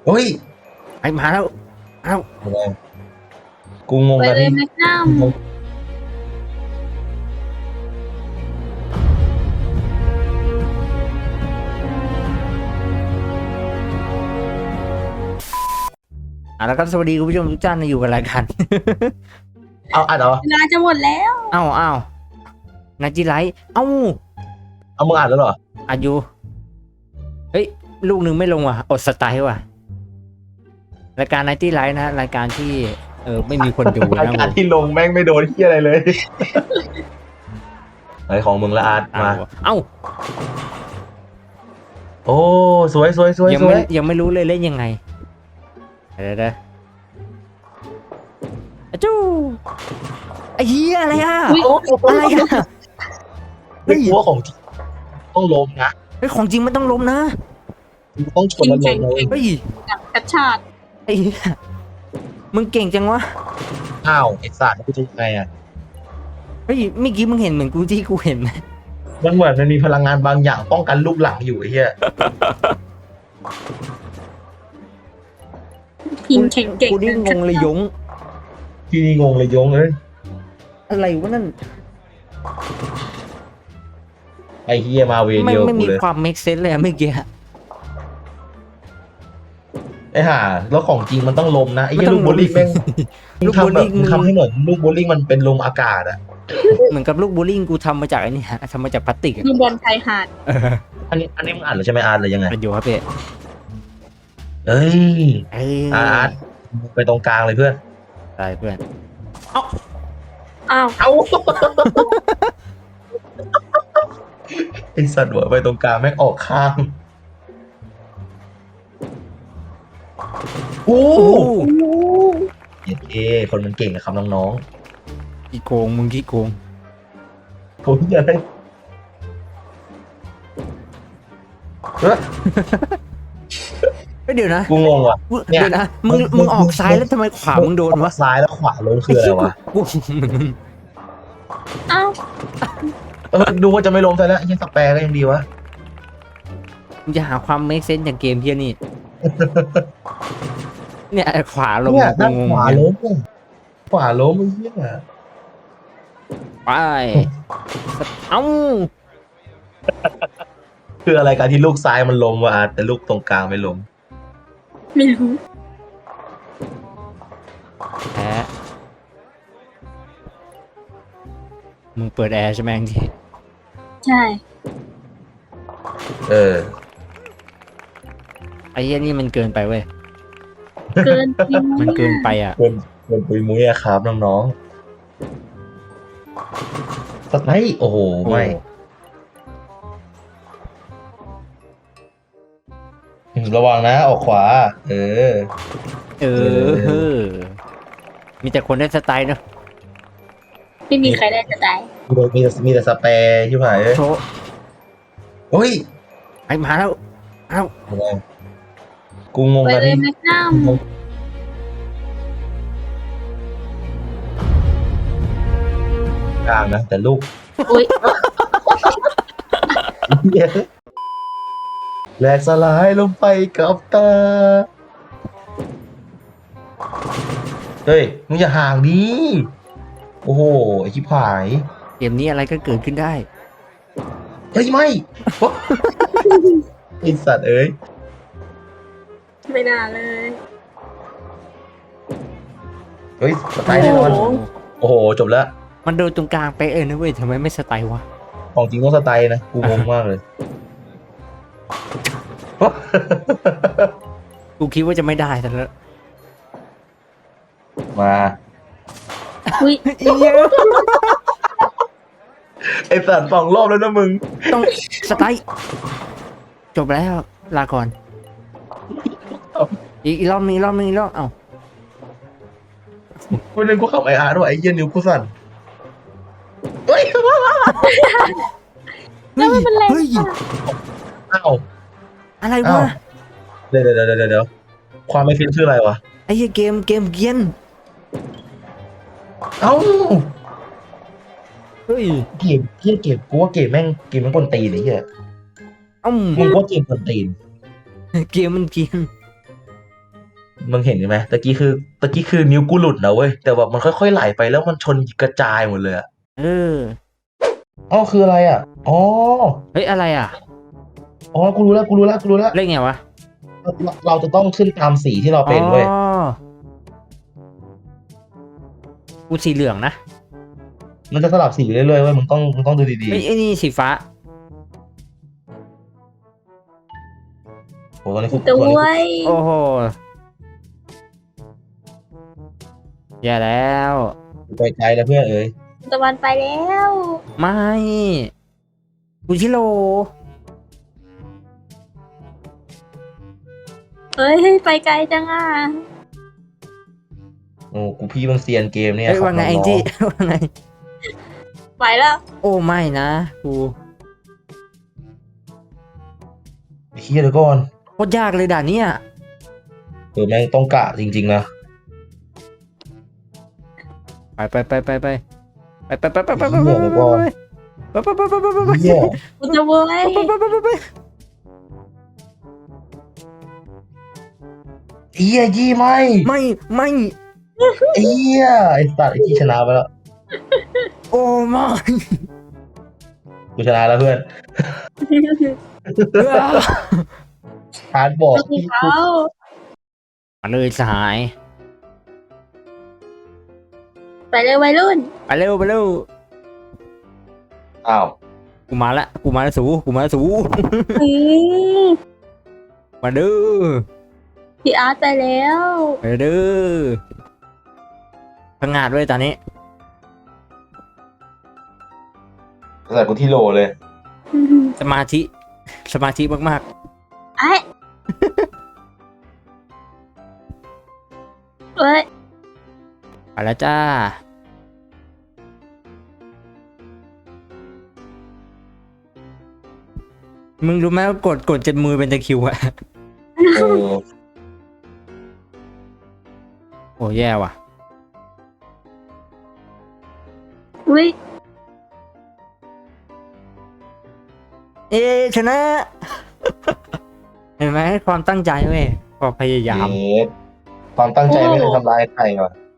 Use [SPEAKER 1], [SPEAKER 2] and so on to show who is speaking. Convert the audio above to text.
[SPEAKER 1] เฮ้ย
[SPEAKER 2] ไอ้มาแล้ว
[SPEAKER 1] กูงง
[SPEAKER 3] ไป
[SPEAKER 1] กัน
[SPEAKER 3] เลย
[SPEAKER 1] ที่
[SPEAKER 3] แมกนัม
[SPEAKER 2] แล้วก็สวัสดีคุณผู้ชมทุกท่านนะอยู่กับรายการ
[SPEAKER 1] เอาอัดเหรอ
[SPEAKER 3] เวลาจะหมดแล้ว
[SPEAKER 2] เอ้านาจิไลท์
[SPEAKER 1] เอามึงอัดแล้วเหรอ
[SPEAKER 2] อายุเฮ้ยลูกหนึ่งไม่ลงว่ะอดสไตล์ว่ะรายการนาจิไลท์นะรายการที่ไม่มีคนดู
[SPEAKER 1] ราย
[SPEAKER 2] นะ
[SPEAKER 1] การ
[SPEAKER 2] ผม
[SPEAKER 1] ที่ลงแม่งไม่โดนที่อะไรเลยไอของมึงละอาร์ตมา
[SPEAKER 2] เอ้า
[SPEAKER 1] โอ้สวย
[SPEAKER 2] ยังไม่รู้เลยเล่นยังไงเดี๋ยวจู้ไอ้เหี้ยอะไรอ่ะ อะไรอ่ะ
[SPEAKER 1] ไม่กลัวของจริงต้องล้มนะ
[SPEAKER 2] ไอ้ของจริงมันต้องล้มนะ
[SPEAKER 1] ต้องชนมันลงเลย
[SPEAKER 2] เฮ้ย
[SPEAKER 3] กระชาก
[SPEAKER 2] ไอ้เหี้ยมึงเก่งจังวะ
[SPEAKER 1] อ้าวไอ้สัตว์กูจะยังไงอ่ะ
[SPEAKER 2] เฮ้ยเมื่อกี้มึงเห็นเหมือนกูที่กูเห็นไหม
[SPEAKER 1] มันเหมือนมันมีพลังงานบางอย่างป้องกันลูกหลังอยู่ไอ้เหี้ย
[SPEAKER 3] ทีมแข่งเก่ง
[SPEAKER 2] กูนี่งงเลยยง
[SPEAKER 1] พี่นี่งงเลยยงเลย
[SPEAKER 2] อะไรวะนั่น
[SPEAKER 1] ไอ้เหี้ยมาเว
[SPEAKER 2] ไม่
[SPEAKER 1] เดียว
[SPEAKER 2] ไม่
[SPEAKER 1] กู
[SPEAKER 2] มี
[SPEAKER 1] เลย
[SPEAKER 2] ความ make sense เลยอะเมื่อกี้
[SPEAKER 1] ไอ้ห่าแล้วของจริงมันต้องลมนะไอ้เหี้ย
[SPEAKER 2] มันต้
[SPEAKER 1] ลู
[SPEAKER 2] อง
[SPEAKER 1] กโบลิ่งแม่ง
[SPEAKER 2] ลูก
[SPEAKER 1] ทำแบบ
[SPEAKER 2] โบลิ่ง
[SPEAKER 1] ทำให้เหมือนลูกโบลิ่งมันเป็นลมอากาศอ่ะ
[SPEAKER 2] เหมือนกับลูกโบลิ่งกูทำมาจากไอ้นี่ฮะทำมาจากพลาสติกอะ
[SPEAKER 3] ดูบอลชายหาด
[SPEAKER 1] อันนี้มึงอ่านหรือใช่ไหมอาร์ตหรือยังไง
[SPEAKER 2] มันอยู่ครับพี่
[SPEAKER 1] เอ้ย
[SPEAKER 2] เอ้ย
[SPEAKER 1] อาร์ตไปตรงกลางเลยเพื่อน
[SPEAKER 2] ตายเพื่อน
[SPEAKER 3] อ้าว
[SPEAKER 1] เอ้า ไอสัตว์หัวไปตรงกลางแม่งออกข้างโอ้
[SPEAKER 2] โอ้
[SPEAKER 1] เย้เอคนมันเก่งนะครับน้อง
[SPEAKER 2] ขี้โกงมึงขี้โกง
[SPEAKER 1] ๆผมจะได้เฮ้ย
[SPEAKER 2] เฮ้ยเดี๋ยวนะ
[SPEAKER 1] กูงงว่ะ เนี่ย
[SPEAKER 2] เดี๋ยวนะมึงออกซ้ายแล้วทำไมขวามึงโดนวะ
[SPEAKER 1] ซ้ายแล้วขวาลงคืออะไรวะ
[SPEAKER 2] กู
[SPEAKER 3] อ้าว
[SPEAKER 1] ดูว่าจะไม่ลงซะแล้วยังสแปรก็ยังดีวะ
[SPEAKER 2] มึงจะหาความ make sense จากเกมเพี้ยนี่ เนี่ยขวาลง
[SPEAKER 1] เนี่ย
[SPEAKER 2] กู
[SPEAKER 1] ด้าน
[SPEAKER 2] งง
[SPEAKER 1] ขวาล้มขวาล้มไอ้เหี้ย
[SPEAKER 2] ไปเอ้า
[SPEAKER 1] คืออะไรการที่ลูกซ้ายมันล้มวะอาร์ตแต่ลูกตรงกลางไม่ล้ม
[SPEAKER 3] ไม่รู้
[SPEAKER 2] แพ้มึงเปิดแอร์ใช่ไหมที่
[SPEAKER 3] ใช่
[SPEAKER 1] เออ
[SPEAKER 2] ไอ้เหี้ยนี่มันเกินไปเว้ย
[SPEAKER 3] เกินจริง
[SPEAKER 2] มันเกินไปอ่ะ
[SPEAKER 1] เกินปุยมุ้ยอะครับน้องๆสไลด์โอ้โหไม่ระวังนะออกขวา เออ
[SPEAKER 2] เออ มีแต่คนได้สไตล์เนอะ
[SPEAKER 3] ไม่มีใครได้จะตาย
[SPEAKER 1] มีแต่สเปรย์ที่ผ่าน
[SPEAKER 2] โชว์
[SPEAKER 1] เฮ้ย
[SPEAKER 2] ไอ้มาแล้วเอ้า
[SPEAKER 1] กูงง
[SPEAKER 3] ไป
[SPEAKER 1] กัน
[SPEAKER 3] เลย
[SPEAKER 1] ที่
[SPEAKER 3] แมกนัม
[SPEAKER 1] กลางนะแต่ลูก
[SPEAKER 3] อุ้ย
[SPEAKER 1] แหลกสลายลงไปกับตา เฮ้ย มึงอย่าห่างดิ โอ้โห ไอชิบหาย
[SPEAKER 2] เกมนี้อะไรก็เกิดขึ้นได้
[SPEAKER 1] เฮ้ย ไม่ ไอสัตว์เอ้ย
[SPEAKER 3] ไม่น่าเลย
[SPEAKER 1] เฮ้ยสไตล์แน่นอน โอ้โห จบแล้ว
[SPEAKER 2] มันโดนตรงกลางไปนะเว้ยทำไมไม่สไตล์วะ
[SPEAKER 1] ของจริงต้องสไตล์นะ กูงงมากเลย
[SPEAKER 2] กูคิดว่าจะไม่ได้แต่ละ
[SPEAKER 1] มา
[SPEAKER 3] อุ้ย
[SPEAKER 1] ไอสัตว์2 รอบแล้วนะมึง
[SPEAKER 2] ต้องสไตล์จบแล้วลาก่อน อีกรอบนึงเอ้า
[SPEAKER 1] กูนึกกูขับไออาร์ด้วยไอเหี้ยนิ้วกูสั่นเฮ้ย
[SPEAKER 3] แล้วไม่เป็นไร
[SPEAKER 2] เฮ้ย
[SPEAKER 1] อ้าว
[SPEAKER 2] อะไร
[SPEAKER 1] อ้าว
[SPEAKER 2] วะ
[SPEAKER 1] เดี๋ยวความไม่ฟินคืออะไรวะ
[SPEAKER 2] ไอ้เหี้ยเกมเกียน
[SPEAKER 1] เอ้า
[SPEAKER 2] เฮ้ย
[SPEAKER 1] เกมกูว่าเกมแม่งกวนตีนไอ้เหี้ย
[SPEAKER 2] เอ้า
[SPEAKER 1] มึงว่าเกมกวนตีน
[SPEAKER 2] เกมมันเกียน
[SPEAKER 1] มึงเห็นไหมตะกี้คือนิ้วกูหลุดนะเว้ยแต่แบบมันค่อยๆไหลไปแล้วมันชนกระจายหมดเลยอะ
[SPEAKER 2] เออ
[SPEAKER 1] อ๋อคืออะไรอ่ะอ๋อ
[SPEAKER 2] เฮ้ยอะไรอ่ะ
[SPEAKER 1] อ๋อกูรู้แล้ว
[SPEAKER 2] เล่นไงวะ
[SPEAKER 1] เราจะต้องขึ้นตามสีที่เรา
[SPEAKER 2] อ๋อ
[SPEAKER 1] เป็นเว้ย
[SPEAKER 2] กูสีเหลืองนะ
[SPEAKER 1] มันจะสลับสีเรื่อยๆเว้ยมึงต้องดูดี
[SPEAKER 2] เฮ้ยไอ้นี่สีฟ้า
[SPEAKER 1] ๆโหตอนนี้คือ
[SPEAKER 3] ตั
[SPEAKER 1] ตอนนี้
[SPEAKER 3] ว
[SPEAKER 2] โอ้โหแย่แล้ว
[SPEAKER 1] คือไปไกลแล้วเพื่อนเอ้ย
[SPEAKER 3] ตะวันไปแล้ว
[SPEAKER 2] ไม่กูชิโร่
[SPEAKER 3] เฮ้ยไปไกลจังอ่ะ
[SPEAKER 1] โอ้กูพี่บางเซียนเกมเนี่ย
[SPEAKER 2] เฮ้ยว่าไง
[SPEAKER 1] ขับ
[SPEAKER 2] แอง
[SPEAKER 1] น้
[SPEAKER 2] จี้
[SPEAKER 1] อง
[SPEAKER 2] ว่าไง
[SPEAKER 3] ไปแล้ว
[SPEAKER 2] โอ้ไม่นะกู
[SPEAKER 1] ๆไอ้เฮียเดี๋ยวก่อน
[SPEAKER 2] โคตรยากเลยด่านเนี้ย
[SPEAKER 1] แม่งต้องกะจริงๆนะ
[SPEAKER 2] ไป
[SPEAKER 1] เฮีย
[SPEAKER 3] กูจะเว้ย
[SPEAKER 1] เฮียยี่ไม่
[SPEAKER 2] ไม่
[SPEAKER 1] ไอ้เฮียไอ้สัตว์ไอ้ที่ชนะไปแล้ว
[SPEAKER 2] โอ้ไม่
[SPEAKER 1] กูชนะแล้วเพื่อนฮาร์ดบอก
[SPEAKER 3] ลูก
[SPEAKER 1] พี่
[SPEAKER 3] เขา
[SPEAKER 2] มาเลยสหาย
[SPEAKER 3] ไปเลยวัยรุ่น
[SPEAKER 2] ไปเร็ว
[SPEAKER 1] อ้าว
[SPEAKER 2] กูมาแล้วสู
[SPEAKER 3] อืม
[SPEAKER 2] มาเด้อ
[SPEAKER 3] พี่อาร์ตไปแล้ว
[SPEAKER 2] ไปเด้อพังงาดด้วยตอนนี้
[SPEAKER 1] ใส่กูที่โหลเลย
[SPEAKER 2] สมาธิมาก
[SPEAKER 3] ไอ้เอ้ย
[SPEAKER 2] ๆไปแล้วจ้า มึงรู้ไหมว่ากดจนมือเป็นตะคริวอะ
[SPEAKER 1] เออ
[SPEAKER 2] โอ้แย่ว่ะ
[SPEAKER 3] อุ้ย
[SPEAKER 2] เอ๊ะชนะ เห็นไหมความตั้งใจเว้ยความพยายาม
[SPEAKER 1] เอ๊ะความตั้งใจไม่เคยทำร้ายใครว่ะ